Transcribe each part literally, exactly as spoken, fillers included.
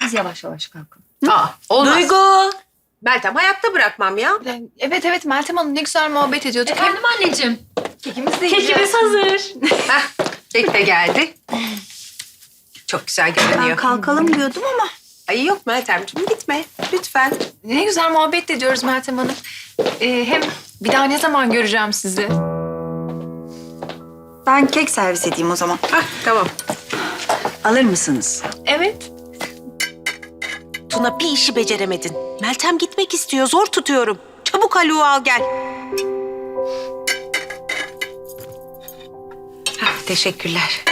Siz yavaş yavaş kalkın. Aa, olmaz. Duygu! Meltem hayatta bırakmam ya. Evet evet Meltem Hanım ne güzel muhabbet ediyorduk. Efendim anneciğim. Kekimiz de Kekimiz hazır. Heh, kek de geldi. Çok güzel Ben görünüyor. kalkalım diyordum ama. Ay yok Meltemciğim gitme lütfen. Ne güzel muhabbet ediyoruz Meltem Hanım. Ee, hem bir daha ne zaman göreceğim sizi? Ben kek servis edeyim o zaman. Hah tamam. Alır mısınız? Evet. Tuna bir işi beceremedin. Meltem gitmek istiyor zor tutuyorum. Çabuk Haluk'u al gel. Hah, teşekkürler.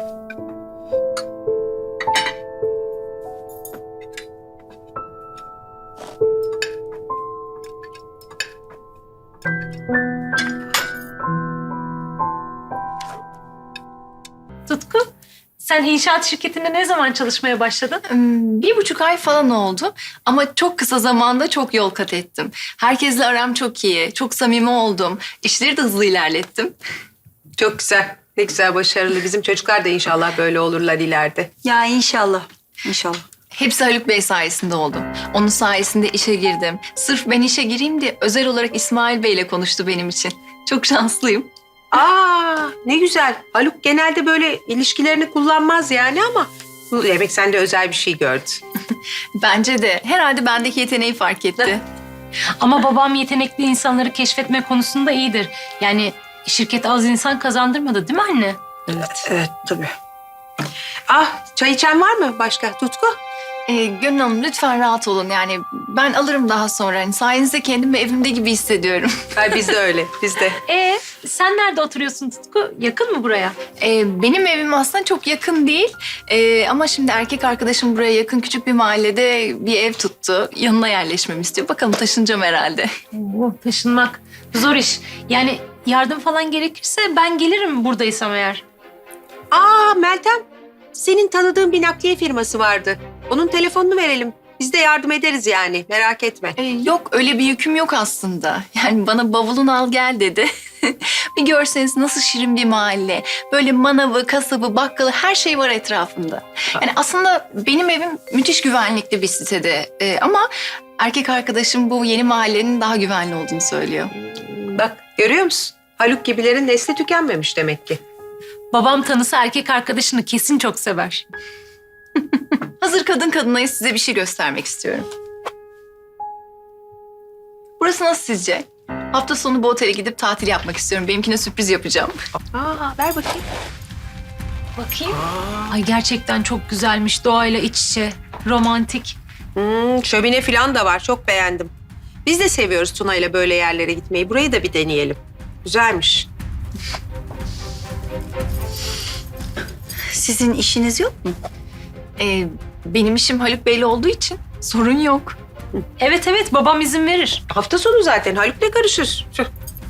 Tutku, sen inşaat şirketinde ne zaman çalışmaya başladın? Hmm, Bir buçuk ay falan oldu ama çok kısa zamanda çok yol kat ettim. Herkesle aram çok iyi, çok samimi oldum. İşleri de hızlı ilerlettim. Çok güzel. Ne güzel başarılı. Bizim çocuklar da inşallah böyle olurlar ileride. Ya inşallah. İnşallah. Hepsi Haluk Bey sayesinde oldu. Onun sayesinde işe girdim. Sırf ben işe gireyim diye özel olarak İsmail Bey'le konuştu benim için. Çok şanslıyım. Aa ne güzel. Haluk genelde böyle ilişkilerini kullanmaz yani ama bu demek sende özel bir şey gördü. Bence de. Herhalde bendeki yeteneği fark etti. Ama babam yetenekli insanları keşfetme konusunda iyidir. Yani şirket az insan kazandırmadı değil mi anne? Evet. Evet tabii. Ah çay içen var mı başka Tutku? Ee, Gönül Hanım lütfen rahat olun. Yani ben alırım daha sonra. Yani sayenizde kendimi evimde gibi hissediyorum. Ay biz de öyle biz de. Ee, sen nerede oturuyorsun Tutku? Yakın mı buraya? Ee, benim evim aslında çok yakın değil. Ee, ama şimdi erkek arkadaşım buraya yakın küçük bir mahallede bir ev tuttu. Yanına yerleşmemi istiyor. Bakalım taşınacağım herhalde. Oo, taşınmak zor iş. Yani yardım falan gerekirse ben gelirim buradaysam eğer. Aa Meltem senin tanıdığın bir nakliye firması vardı. Onun telefonunu verelim. Biz de yardım ederiz yani merak etme. Ee, yok öyle bir yüküm yok aslında. Yani bana bavulunu al gel dedi. Bir görseniz nasıl şirin bir mahalle. Böyle manavı, kasabı, bakkalı her şey var etrafında. Yani aslında benim evim müthiş güvenlikli bir sitede. Ee, ama erkek arkadaşım bu yeni mahallenin daha güvenli olduğunu söylüyor. Bak görüyor musun? Haluk gibilerin nesli tükenmemiş demek ki. Babam tanısa erkek arkadaşını kesin çok sever. Hazır kadın kadınayız size bir şey göstermek istiyorum. Burası nasıl sizce? Hafta sonu bu otele gidip tatil yapmak istiyorum. Benimkine sürpriz yapacağım. Aa ver bakayım. Bakayım. Ay gerçekten çok güzelmiş. Doğayla iç içe. Romantik. Hmm, şömine falan da var çok beğendim. Biz de seviyoruz Tuna ile böyle yerlere gitmeyi. Burayı da bir deneyelim. Güzelmiş. Sizin işiniz yok mu? Ee, benim işim Haluk Bey'le olduğu için sorun yok. Evet evet babam izin verir. Hafta sonu zaten Haluk ne karışır? Tüh.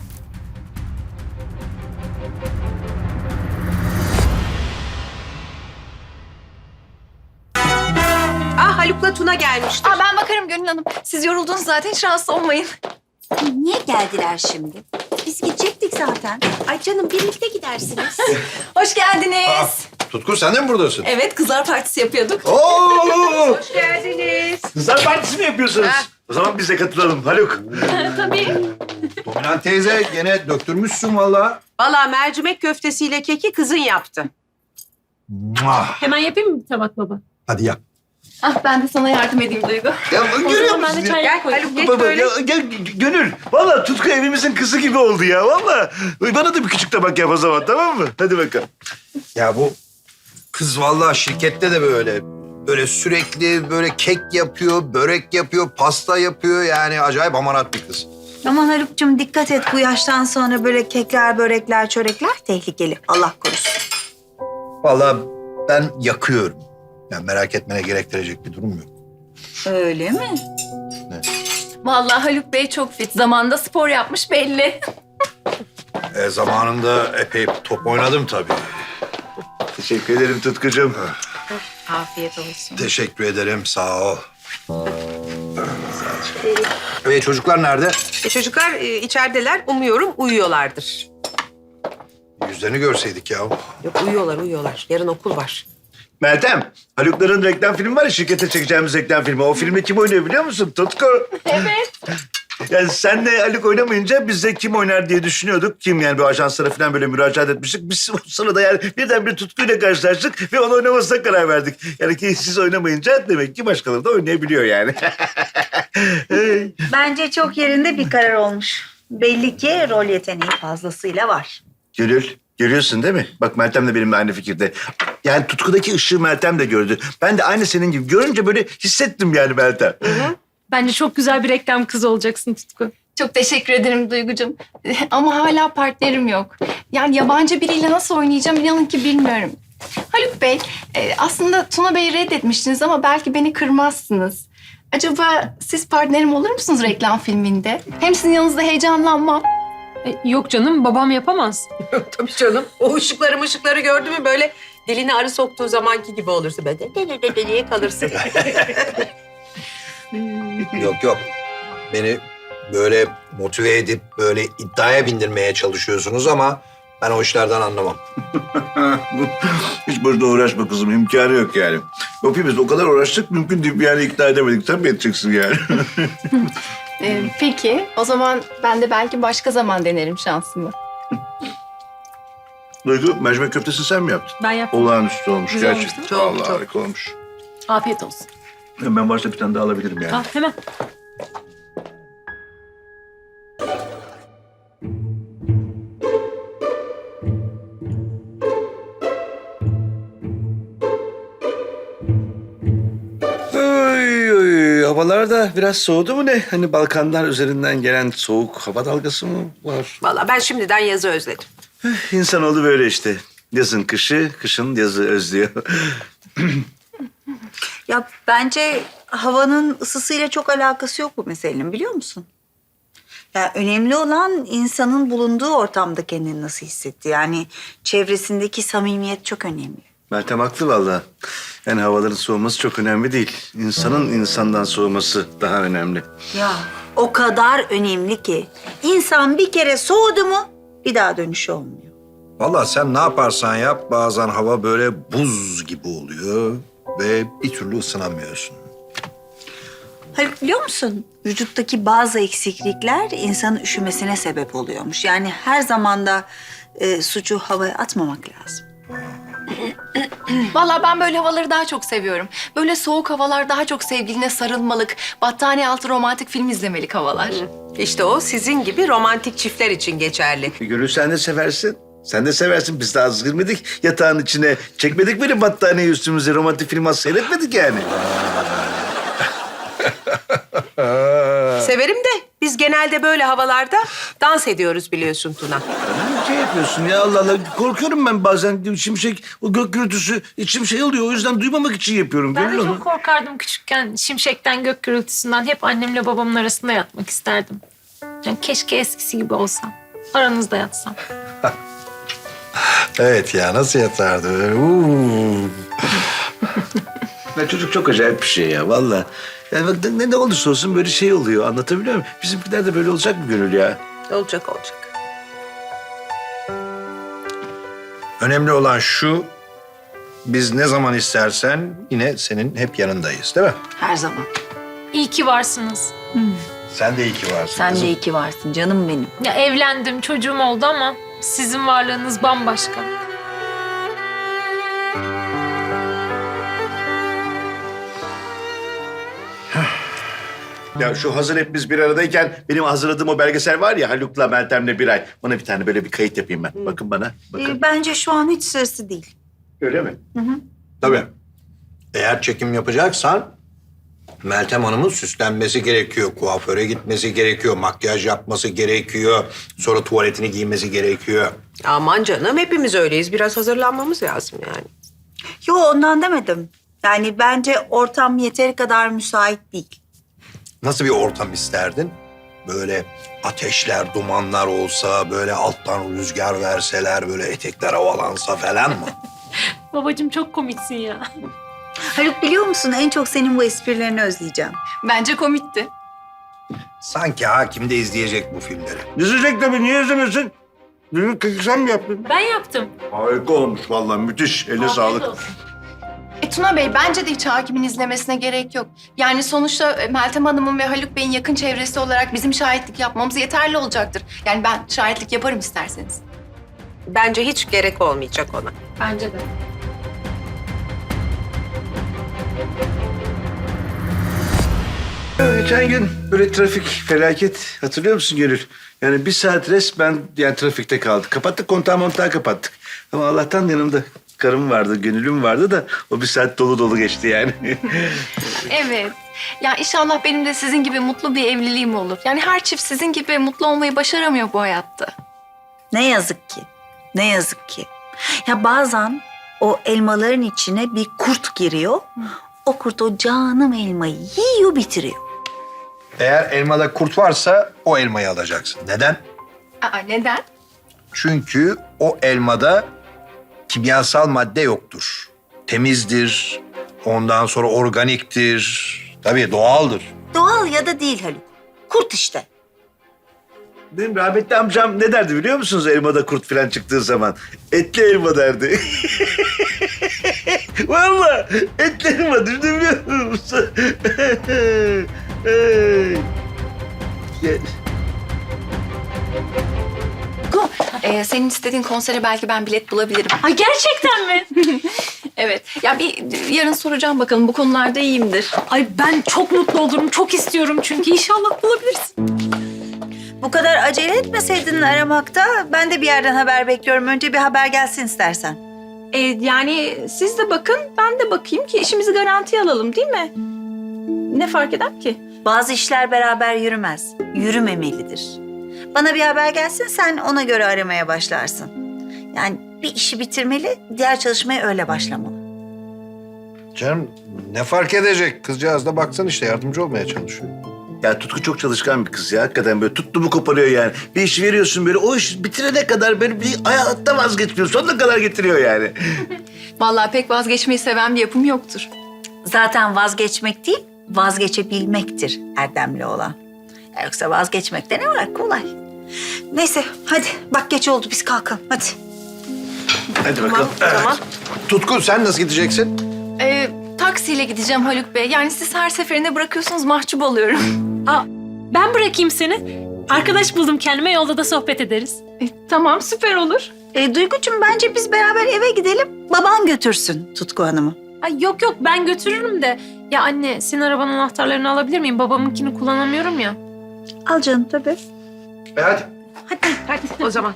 Ah Haluk'la Tuna gelmiştir. Aa, ben bakarım Gönül Hanım. Siz yoruldunuz zaten hiç rahatsız olmayın. Niye geldiler şimdi? Biz gidecektik zaten. Ay canım birlikte gidersiniz. Hoş geldiniz. Aa, Tutku sen de mi buradasın? Evet kızlar partisi yapıyorduk. Oo! Hoş geldiniz. Kızlar partisi mi yapıyorsunuz? Ha. O zaman biz de katılalım Haluk. Tabii. Dominant teyze gene döktürmüşsün vallahi. Vallahi mercimek köftesiyle keki kızın yaptı. Muah! Hemen yapayım mı bir tabak baba? Hadi yap. Ah ben de sana yardım edeyim Duygu. Ya O görüyor zaman ben musun de ya? çay Gel koyayım. Haluk geç Baba, böyle. ya, gel Gönül. Vallahi Tutku evimizin kızı gibi oldu ya. Vallahi. Bana da bir küçük tabak yap o zaman tamam mı? Hadi bakalım. Ya bu kız vallahi şirkette de böyle. Böyle sürekli böyle kek yapıyor, börek yapıyor, pasta yapıyor. Yani acayip amarat bir kız. Aman Haluk'cum dikkat et bu yaştan sonra böyle kekler, börekler, çörekler tehlikeli. Allah korusun. Vallahi ben yakıyorum. Yani merak etmene gerektirecek bir durum yok. Öyle mi? Vallahi Haluk Bey çok fit. Zamanında spor yapmış belli. E, zamanında epey top oynadım tabii. Teşekkür ederim Tutkucuğum. Afiyet olsun. Teşekkür ederim, sağ ol. E, çocuklar nerede? E, çocuklar e, içerideler. Umuyorum uyuyorlardır. Yüzlerini görseydik ya. Yok uyuyorlar uyuyorlar. Yarın okul var. Meltem, Halukların reklam filmi var ya, şirkete çekeceğimiz reklam filmi. O filmde kim oynuyor biliyor musun? Tutku. Evet. Yani senle Haluk oynamayınca biz de kim oynar diye düşünüyorduk. Kim yani, bu ajanslara falan böyle müracaat etmiştik. Biz o sırada yani birden bir Tutku'yla karşılaştık ve onu oynamasına karar verdik. Yani ki siz oynamayınca demek ki başkaları da oynayabiliyor yani. Bence çok yerinde bir karar olmuş. Belli ki rol yeteneği fazlasıyla var. Gönül, görüyorsun değil mi? Bak Meltem de benimle aynı fikirde. Yani Tutku'daki ışığı Meltem de gördü. Ben de aynı senin gibi görünce böyle hissettim yani Meltem. Bence çok güzel bir reklam kızı olacaksın Tutku. Çok teşekkür ederim Duygucuğum. Ama hala partnerim yok. Yani yabancı biriyle nasıl oynayacağım inanın ki bilmiyorum. Haluk Bey, e, aslında Tuna Bey'i reddetmiştiniz ama belki beni kırmazsınız. Acaba siz partnerim olur musunuz reklam filminde? Hem sizin yanınızda heyecanlanmam. E, yok canım, babam yapamaz. Tabii canım. O ışıkları ışıkları gördü mü böyle dilini arı soktuğu zamanki gibi olursun. Böyle de de de de diye kalırsın. Yok yok. Beni böyle motive edip böyle iddiaya bindirmeye çalışıyorsunuz ama ben o işlerden anlamam. Hiç boşuna uğraşma kızım, imkanı yok yani. Hepimiz o kadar uğraştık, mümkün değil, yani ikna edemedik. Sen mi edeceksin yani? E, peki, o zaman ben de belki başka zaman denerim şansımı. Duygu, mercimek köftesi sen mi yaptın? Ben yaptım. Olağanüstü olmuş Güzel olmuş gerçekten. değil mi? Çok, Vallahi çok. harika olmuş. Afiyet olsun. Ben varsa bir tane daha alabilirim yani. Al hemen. Oy, oy, havalar da biraz soğudu mu ne? Hani Balkanlar üzerinden gelen soğuk hava dalgası mı var? Vallahi ben şimdiden yazı özledim. İnsanoğlu böyle işte. Yazın kışı, kışın yazı özlüyor. Ya bence havanın ısısıyla çok alakası yok bu meselenin, biliyor musun? Ya önemli olan insanın bulunduğu ortamda kendini nasıl hissetti. Yani çevresindeki samimiyet çok önemli. Meltem haklı vallahi. Yani havaların soğuması çok önemli değil. İnsanın insandan soğuması daha önemli. Ya o kadar önemli ki insan bir kere soğudu mu bir daha dönüşü olmuyor. Vallahi sen ne yaparsan yap bazen hava böyle buz gibi oluyor ve bir türlü ısınamıyorsun. Haluk, biliyor musun? Vücuttaki bazı eksiklikler insanın üşümesine sebep oluyormuş. Yani her zaman da e, suçu havaya atmamak lazım. Vallahi ben böyle havaları daha çok seviyorum. Böyle soğuk havalar daha çok sevgiline sarılmalık, battaniye altı romantik film izlemelik havalar. İşte o sizin gibi romantik çiftler için geçerli. Gönül sen de seversin. Sen de seversin. Biz daha az girmedik yatağın içine. Çekmedik böyle battaniye üstümüze. Romantik film az seyretmedik yani. Severim de biz genelde böyle havalarda dans ediyoruz biliyorsun Tuna. Ne şey yapıyorsun ya, Allah Allah. Korkuyorum ben bazen. Şimşek, o gök gürültüsü içim şey oluyor. O yüzden duymamak için yapıyorum. Ben de Gönül onu. çok korkardım küçükken. Şimşekten, gök gürültüsünden. Hep annemle babamın arasında yatmak isterdim. Yani keşke eskisi gibi olsam. Aranızda yatsam. Evet ya, nasıl yatardı böyle? Uuu. Ya çocuk çok acayip bir şey ya vallahi. Yani bak ne, ne olursa olsun böyle şey oluyor. Anlatabiliyor muyum? Bizimkiler de böyle olacak mı Gönül ya? Olacak olacak. Önemli olan şu, biz ne zaman istersen yine senin hep yanındayız değil mi? Her zaman. İyi ki varsınız. Sen de iyi ki varsın Sen kızım. de iyi ki varsın canım benim. Ya evlendim, çocuğum oldu ama sizin varlığınız bambaşka. Ya şu hazır hep biz bir aradayken benim hazırladığım o belgesel var ya, Haluk'la Meltem'le bir ay. Ona bir tane böyle bir kayıt yapayım ben. Bakın bana. Bakın. Ee, bence şu an hiç sırası değil. Öyle mi? Tabii. Eğer çekim yapacaksan Meltem Hanım'ın süslenmesi gerekiyor. Kuaföre gitmesi gerekiyor. Makyaj yapması gerekiyor. Sonra tuvaletini giymesi gerekiyor. Aman canım hepimiz öyleyiz. Biraz hazırlanmamız lazım yani. Yo, ondan demedim. Yani bence ortam yeteri kadar müsait değil. Nasıl bir ortam isterdin? Böyle ateşler, dumanlar olsa, böyle alttan rüzgar verseler, böyle etekler havalansa falan mı? Babacığım çok komiksin ya. Haluk, biliyor musun en çok senin bu esprilerini özleyeceğim. Bence komikti. Sanki hakim de izleyecek bu filmleri. Dizecek tabii. Niye izlemesin? Dün sen mi yaptın? Ben yaptım. Harika olmuş vallahi. Müthiş. Eline Afiyet sağlık. olsun. Tuna Bey, bence de hiç hakimin izlemesine gerek yok. Yani sonuçta e, Meltem Hanım'ın ve Haluk Bey'in yakın çevresi olarak bizim şahitlik yapmamız yeterli olacaktır. Yani ben şahitlik yaparım isterseniz. Bence hiç gerek olmayacak ona. Bence de. Geçen gün böyle trafik felaket hatırlıyor musun Gönül? Yani bir saat resmen yani trafikte kaldık. Kapattık kontağı montağı kapattık. Ama Allah'tan yanımda karım vardı, Gönül'üm vardı da o bir saat dolu dolu geçti yani. Evet. Ya inşallah benim de sizin gibi mutlu bir evliliğim olur. Yani her çift sizin gibi mutlu olmayı başaramıyor bu hayatta. Ne yazık ki. Ne yazık ki. Ya bazen o elmaların içine bir kurt giriyor. O kurt o canım elmayı yiyor bitiriyor. Eğer elmada kurt varsa o elmayı alacaksın. Neden? Aa, neden? Çünkü o elmada kimyasal madde yoktur. Temizdir, ondan sonra organiktir. Tabii doğaldır. Doğal ya da değil Haluk. Kurt işte. Benim rahmetli amcam ne derdi biliyor musunuz elmada kurt falan çıktığı zaman? Etli elma derdi. Vallahi etli elma düşünebiliyor musun? Hey. Gel. Go. Ee, senin istediğin konsere belki ben bilet bulabilirim. Ay gerçekten mi? Evet. Ya bir yarın soracağım bakalım, bu konularda iyiyimdir. Ay ben çok mutlu olurum. Çok istiyorum çünkü inşallah bulabilirsin. Bu kadar acele etmeseydin aramakta ben de bir yerden haber bekliyorum. Önce bir haber gelsin istersen. Ee, yani siz de bakın, ben de bakayım ki işimizi garantiye alalım, değil mi? Ne fark eder ki? Bazı işler beraber yürümez. Yürümemelidir. Bana bir haber gelsin sen ona göre aramaya başlarsın. Yani bir işi bitirmeli, diğer çalışmaya öyle başlamalı. Canım ne fark edecek? Kızcağız da baksan işte yardımcı olmaya çalışıyor. Ya Tutku çok çalışkan bir kız ya. Hakikaten böyle tuttu mu koparıyor yani. Bir iş veriyorsun böyle o iş bitirene kadar böyle bir hayatta vazgeçmiyor. Sonuna kadar getiriyor yani. Vallahi pek vazgeçmeyi seven bir yapım yoktur. Zaten vazgeçmek değil, vazgeçebilmektir erdemli olan. Ya yoksa vazgeçmekte ne var? Kolay. Neyse hadi bak geç oldu biz kalkalım hadi. Hadi bakalım. Tamam. Tutkun sen nasıl gideceksin? Ee, taksiyle gideceğim Haluk Bey. Yani siz her seferinde bırakıyorsunuz, mahcup oluyorum. Aa, ben bırakayım seni. Arkadaş buldum kendime, yolda da sohbet ederiz. E, tamam, süper olur. E, Duygucuğum bence biz beraber eve gidelim. Baban götürsün Tutku Hanım'ı. Ay yok yok ben götürürüm de. Ya anne senin arabanın anahtarlarını alabilir miyim? Babamınkini kullanamıyorum ya. Al canım tabii. E hadi. Hadi, hadi o zaman.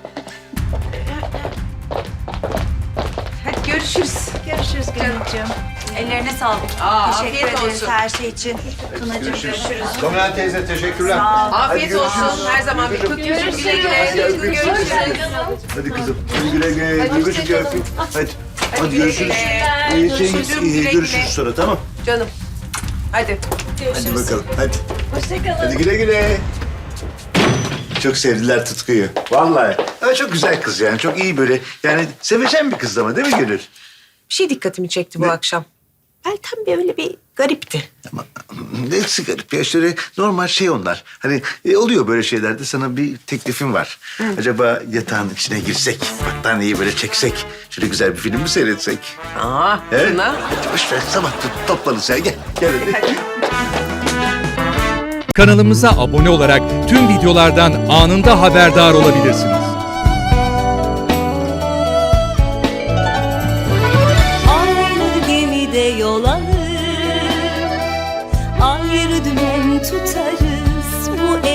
Hadi görüşürüz. Görüşürüz Gönülcüğüm. Ellerine sağlık. Aa, Teşekkür afiyet ederiz olsun. her şey için. Tunacığım görüşürüz. Dominant teyze teşekkürler. Sağ ol. Afiyet olsun. Her zaman bir kutlu güle güle. Tutku, görüşürüz. Hadi kızım. Hadi güle güle. Duygucuğum gel öpeyim. Hadi. Hadi güle görüşürüz. güle. İyi şey, Görüşürüz, iyi, güle görüşürüz güle. sonra tamam. Canım. Hadi. Hadi bakalım hadi. Hoşçakalın. Hadi güle güle. Çok sevdiler Tutku'yu. Vallahi. Ama çok güzel kız yani. Çok iyi böyle. Yani sevecen bir kız ama değil mi Gönül? Bir şey dikkatimi çekti bu Ne? akşam. Meltem böyle bir garipti. Ama neyse garip ya işte normal şey onlar. Hani e, oluyor böyle şeylerde sana bir teklifim var. Acaba yatağın içine girsek, battaniyeyi böyle çeksek, şöyle güzel bir film mi seyretsek? Aa, He? Tuna. Hadi boş ver sabah to- toplarız ya gel. Gel hadi. Kanalımıza abone olarak tüm videolardan anında haberdar olabilirsiniz. Aynı gemide yol alır, ayrı dümen tutarız. Bu